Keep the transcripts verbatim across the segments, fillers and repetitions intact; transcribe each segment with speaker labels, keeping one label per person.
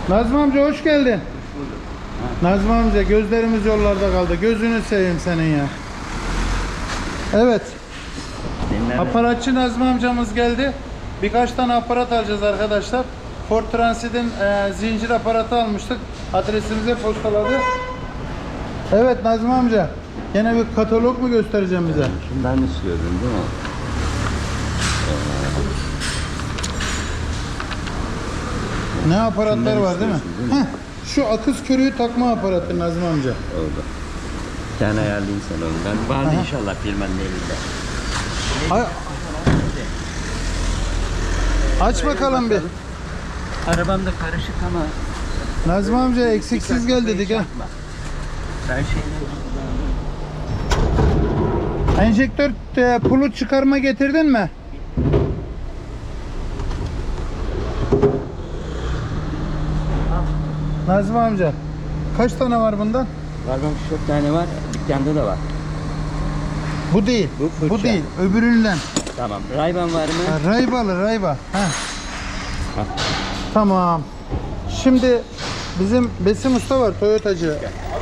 Speaker 1: Nazmi amca hoş geldin. Nazmi amca gözlerimiz yollarda kaldı. Gözünü seveyim senin ya. Evet.
Speaker 2: Dinleme.
Speaker 1: Aparatçı Nazmi amcamız geldi. Birkaç tane aparat alacağız arkadaşlar. Ford Transit'in e, zincir aparatı almıştık. Adresimize postaladı. Evet Nazmi amca. Gene bir katalog mu göstereceğim bize?
Speaker 2: Şundan istiyordun değil mi?
Speaker 1: Ne aparatlar
Speaker 2: Şundan
Speaker 1: var değil mi?
Speaker 2: istiyorsun, değil mi?
Speaker 1: Heh, şu akız körüğü takma aparatı Nazmi amca.
Speaker 2: Oldu. Bir tane ayarlayayım sana onu. Ben vardı
Speaker 1: Aha.
Speaker 2: inşallah firmanın elinde.
Speaker 1: Ay- Aç bakalım bir.
Speaker 2: Arabam da karışık ama
Speaker 1: Nazmi amca eksiksiz gel dedik ha.
Speaker 2: ben şeyleri
Speaker 1: Enjektör e, pulu çıkarma getirdin mi? Nazmi amca kaç tane var bundan?
Speaker 2: var bak çok tane var. Dükkanda da var.
Speaker 1: Bu değil.
Speaker 2: Bu fırça.
Speaker 1: Bu değil. Öbüründen.
Speaker 2: Tamam. Rayban var mı?
Speaker 1: Ha, Raybalı Rayba. Heh.
Speaker 2: Hah.
Speaker 1: Tamam. Şimdi bizim Besim Usta var Toyotacı.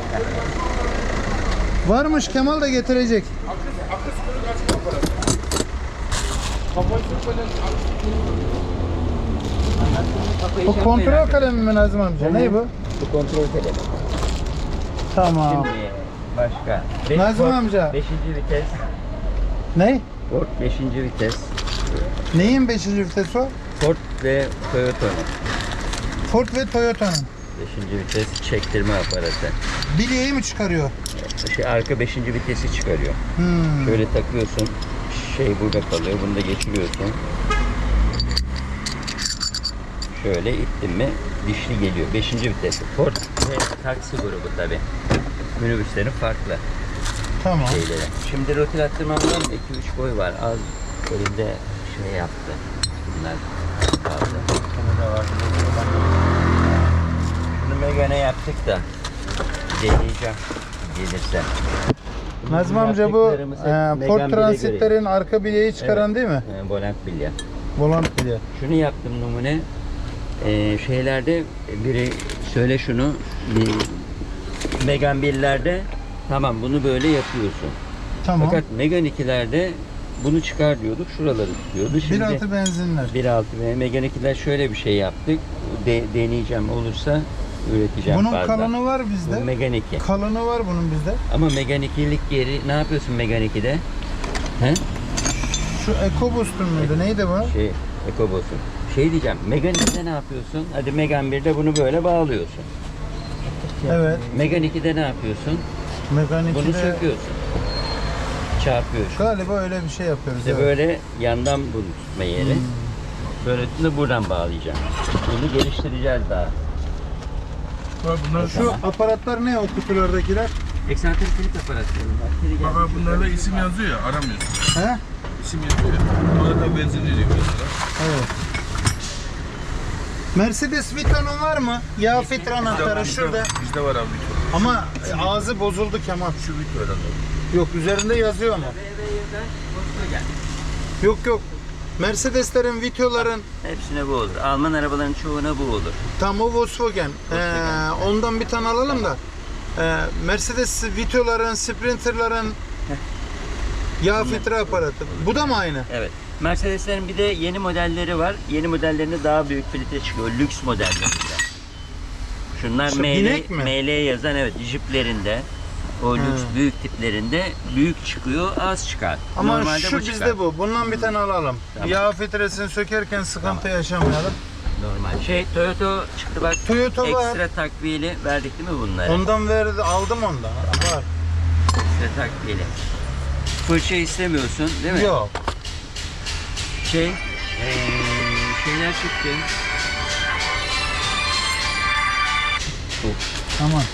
Speaker 1: Varmış Kemal da getirecek. Bu kontrol kalemi mi Nazım amca? Ne bu?
Speaker 2: Bu kontrol kalemi.
Speaker 1: Tamam.
Speaker 2: Şimdi başka. Beş-
Speaker 1: Nazım
Speaker 2: Ford
Speaker 1: amca.
Speaker 2: beşinci vites.
Speaker 1: Ne?
Speaker 2: Ford beşinci vites.
Speaker 1: Neyin beşinci vitesi o?
Speaker 2: Ford ve Toyota'nın
Speaker 1: Ford ve Toyota'nın.
Speaker 2: beşinci vites çektirme aparatı.
Speaker 1: Bilyeyi mi çıkarıyor?
Speaker 2: Şey, arka beşinci vitesi çıkarıyor.
Speaker 1: Hmm.
Speaker 2: Şöyle takıyorsun. Şey burada kalıyor. Bunu da geçiriyorsun. Şöyle ittin mi dişli geliyor. beşinci vitesi. Ford ve taksi grubu tabi. Minibüslerin farklı
Speaker 1: Tamam.
Speaker 2: şeyleri. Şimdi rotil attırmamdan iki üç boy var. Az elimde şey yaptı. Bunlar kaldı. Şunu da var. Şunu Megane yaptık da deneyeceğim gelirse.
Speaker 1: Nazım amca bu
Speaker 2: Yaptıklarımız hep
Speaker 1: e,
Speaker 2: Megane
Speaker 1: Ford
Speaker 2: bile
Speaker 1: Transit'lerin arka bilyeyi çıkaran
Speaker 2: Evet.
Speaker 1: değil mi?
Speaker 2: E, volant bilye.
Speaker 1: Volant bilye.
Speaker 2: Şunu yaptım numune. Ee, şeylerde biri söyle şunu. e, Megane birlerde tamam bunu böyle yapıyorsun.
Speaker 1: Tamam.
Speaker 2: Fakat Megane ikilerde bunu çıkar diyorduk. Şuraları tutuyordu. Şimdi
Speaker 1: bir altı benzinler.
Speaker 2: bir altı ve Megane ikiler şöyle bir şey yaptık. De, deneyeceğim olursa üreteceğim
Speaker 1: Bunun
Speaker 2: fazla.
Speaker 1: kalını var
Speaker 2: Bu
Speaker 1: bizde.
Speaker 2: Megane iki.
Speaker 1: Kalını var bunun bizde.
Speaker 2: Ama Megane ikilik yeri ne yapıyorsun Megane ikide? He?
Speaker 1: Şu EcoBoost'un muydu? Neydi bu?
Speaker 2: Şey, EcoBoss'un. Şey diyeceğim, Megane ikide ne yapıyorsun? Hadi Megane birde bunu böyle bağlıyorsun.
Speaker 1: Evet.
Speaker 2: Megane ikide ne yapıyorsun?
Speaker 1: Mekanik
Speaker 2: Bunu söküyorsun. Çarpıyorsun.
Speaker 1: Galiba öyle bir şey yapıyoruz.
Speaker 2: İşte
Speaker 1: evet.
Speaker 2: böyle yandan bunu tutma yeri. Böyle de buradan bağlayacağım. Bunu geliştireceğiz daha.
Speaker 3: Bunlar
Speaker 1: Şu aparatlar ne o kutulardakiler?
Speaker 2: Eksantrik kilit aparatları.
Speaker 3: baba bunlarda isim yazıyor ya aramıyorsun.
Speaker 1: He?
Speaker 3: İsim yazıyor ya. Ona da benzin veriyor mesela.
Speaker 1: Evet. Mercedes Vito'nun var mı? Yağ filtre anahtarı şurada.
Speaker 3: Bizde var abi.
Speaker 1: Ama ağzı bozuldu Kemal.
Speaker 3: Şu bit var herhalde.
Speaker 1: Yok üzerinde yazıyor ama. Yok yok. Mercedeslerin, Vito'ların
Speaker 2: Hepsine bu olur. Alman arabaların çoğuna bu olur.
Speaker 1: tam o Volkswagen. Ee, ondan bir tane alalım da. Ee, Mercedes Vito'ların, Sprinter'ların yağ filtre aparatı. Bu da mı aynı?
Speaker 2: Evet. Mercedeslerin bir de yeni modelleri var. Yeni modellerinde daha büyük filtre çıkıyor. Lüks modellerinde. Şunlar
Speaker 1: Şu
Speaker 2: M L,
Speaker 1: binek mi?
Speaker 2: M L yazan evet jiplerinde. O lüks
Speaker 1: He.
Speaker 2: büyük tiplerinde büyük çıkıyor, az çıkar.
Speaker 1: Ama
Speaker 2: Normalde
Speaker 1: şu
Speaker 2: bu
Speaker 1: bizde
Speaker 2: çıkar.
Speaker 1: bu. Bundan bir tane alalım.
Speaker 2: Tamam.
Speaker 1: Yağ filtresini sökerken sıkıntı yaşamayalım.
Speaker 2: Normal. Şey Toyota çıktı bak.
Speaker 1: Toyota var.
Speaker 2: Ekstra takviyeli verdik değil mi bunları?
Speaker 1: Ondan verdi, aldım ondan. Var.
Speaker 2: Ekstra takviyeli. Fırça istemiyorsun değil mi?
Speaker 1: Yok.
Speaker 2: Şey, eee, şeyler çıktı.
Speaker 1: Aman.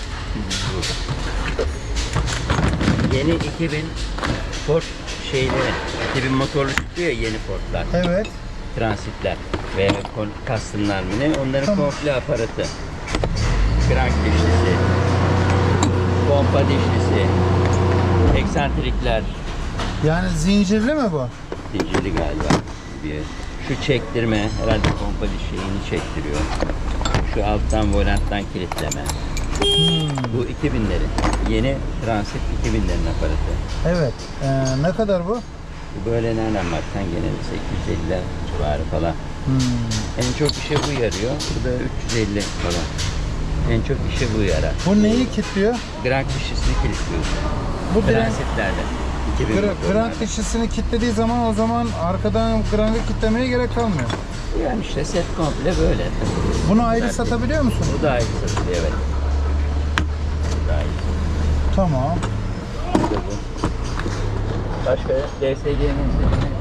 Speaker 2: Yeni iki bin Ford şeyleri, iki bin motorlu çıktı ya yeni Ford'lar,
Speaker 1: Evet.
Speaker 2: Transit'ler ve Custom'lar mı ne? Onların
Speaker 1: Tamam.
Speaker 2: komple aparatı. Crank dişlisi, pompa dişlisi, eksantrikler,
Speaker 1: Yani zincirli mi bu?
Speaker 2: zincirli galiba. Bir, şu çektirme, herhalde pompa diş şeyini çektiriyor. şu alttan volanttan kilitleme.
Speaker 1: Hmm.
Speaker 2: Bu iki binlerin. Yeni Transit iki binlerin aparatı.
Speaker 1: Evet. Ee, ne kadar bu?
Speaker 2: Bu böyle nereden baksan gene sekiz yüz elli civarı falan.
Speaker 1: Hmm.
Speaker 2: En çok işe bu yarıyor. Bu da üç yüz elli falan. En çok işe bu yarar.
Speaker 1: Bu neyi kilitliyor?
Speaker 2: Grank dişisini kilitliyorsun.
Speaker 1: Bu diren-
Speaker 2: Transitlerde. iki bin
Speaker 1: Gra-
Speaker 2: motorlarda.
Speaker 1: Grank dişisini kilitlediği zaman o zaman arkadan grankı kilitlemeye gerek kalmıyor.
Speaker 2: Yani işte set komple böyle.
Speaker 1: Bunu ayrı
Speaker 2: Zaten-
Speaker 1: satabiliyor musun?
Speaker 2: Bu da ayrı satılıyor, evet. Bu da ayrı satılıyor.
Speaker 1: Tamam.
Speaker 2: Bu da bu. Başka D S G'nin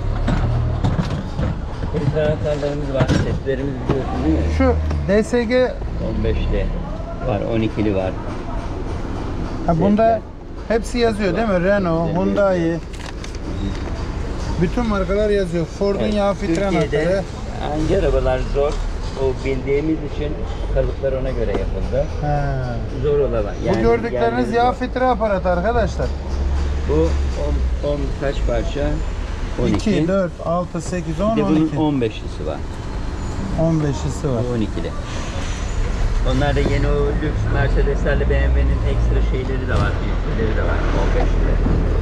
Speaker 2: filtre anahtarlarımız var. Setlerimiz biliyorsun değil mi?
Speaker 1: Şu D S G
Speaker 2: on beşli var, on ikili var.
Speaker 1: ha, bunda hepsi yazıyor değil mi? Renault, Hyundai. Bütün markalar yazıyor. Ford'un
Speaker 2: Evet,
Speaker 1: yağ filtre
Speaker 2: Türkiye'de
Speaker 1: anahtarı.
Speaker 2: hangi arabalar zor? O bildiğimiz için kalıplar ona göre yapıldı.
Speaker 1: He.
Speaker 2: Zor olan.
Speaker 1: Bu gördükleriniz yağ filtre aparatı arkadaşlar.
Speaker 2: Bu on, on kaç parça? on iki.
Speaker 1: iki, dört, altı, sekiz,
Speaker 2: Bir
Speaker 1: on,
Speaker 2: de
Speaker 1: on
Speaker 2: bunun
Speaker 1: iki.
Speaker 2: on beşlisi var.
Speaker 1: on beşlisi var.
Speaker 2: Bu on ikili. Onlar da yeni o lüks Mercedes'lerle B M W'nin ekstra şeyleri de var, filtreleri de var. on beşli.